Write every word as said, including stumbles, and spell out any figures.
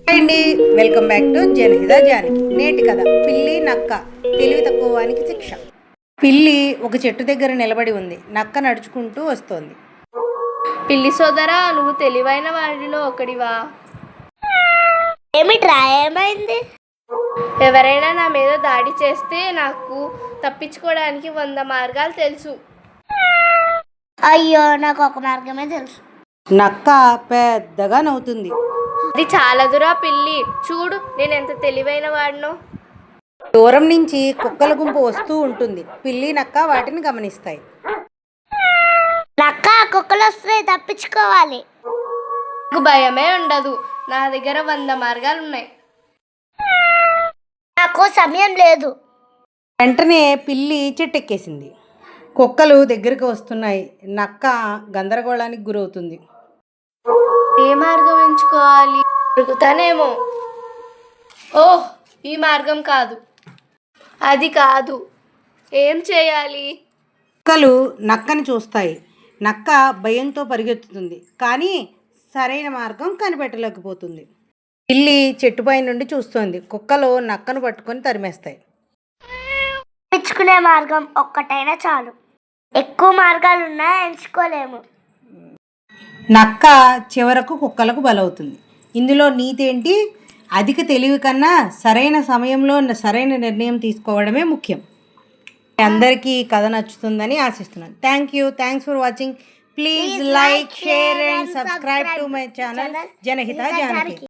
Hi అండి, welcome back to Janahita Janaki. నేటి కథ పిల్లి నక్క తెలివి తక్కువ వానికి శిక్ష. పిల్లి ఒక చెట్టు దగ్గర నిలబడి ఉంది. నక్క నడుచుకుంటూ వస్తోంది. పిల్లి సోదరా, నువ్వు తెలివైన వాడిలో ఒకడివా? ఏమిట్రా, ఏమైంది? ఎవరైనా నా మీద దాడి చేస్తే నాకు తప్పించుకోవడానికి వంద మార్గాలు తెలుసు. అయ్యో, నాకు ఒక మార్గమే తెలుసు. నక్క పెద్దగా నవ్వుతుంది. అది చాలదురా పిల్లి, చూడు నేను ఎంత తెలివైన వాడినో. దూరం నుంచి కుక్కల గుంపు వస్తూ ఉంటుంది. పిల్లి నక్క వాటిని గమనిస్తాయి. నక్క, కుక్కలు వస్తున్నాయి, తప్పించుకోవాలి. నాకు భయమే ఉండదు, నా దగ్గర వంద మార్గాలు ఉన్నాయి. నాకు సమయం లేదు. వెంటనే పిల్లి చెట్టెక్కేసింది. కుక్కలు దగ్గరికి వస్తున్నాయి. నక్క గందరగోళానికి గురవుతుంది. ఏ మార్గం ఎంచుకోవాలి? దొరుకుతానేమో. ఓహ్, ఈ మార్గం కాదు, అది కాదు. ఏం చేయాలి? కుక్కలు నక్కని చూస్తాయి. నక్క భయంతో పరిగెత్తుతుంది, కానీ సరైన మార్గం కనిపెట్టలేకపోతుంది. పిల్లి చెట్టుపై నుండి చూస్తోంది. కుక్కలు నక్కను పట్టుకొని తరిమేస్తాయి. తప్పించుకునే మార్గం ఒక్కటైనా చాలు. ఎక్కువ మార్గాలున్నా ఎంచుకోలేము. నక్క చివరకు కుక్కలకు బలవుతుంది. ఇందులో నీతి ఏంటి? అధిక తెలివి కన్నా సరైన సమయంలో సరైన నిర్ణయం తీసుకోవడమే ముఖ్యం. అందరికీ కథ నచ్చుతుందని ఆశిస్తున్నాను. Thank you thanks for watching. Please like, share and subscribe to my channel Janahita Janaki.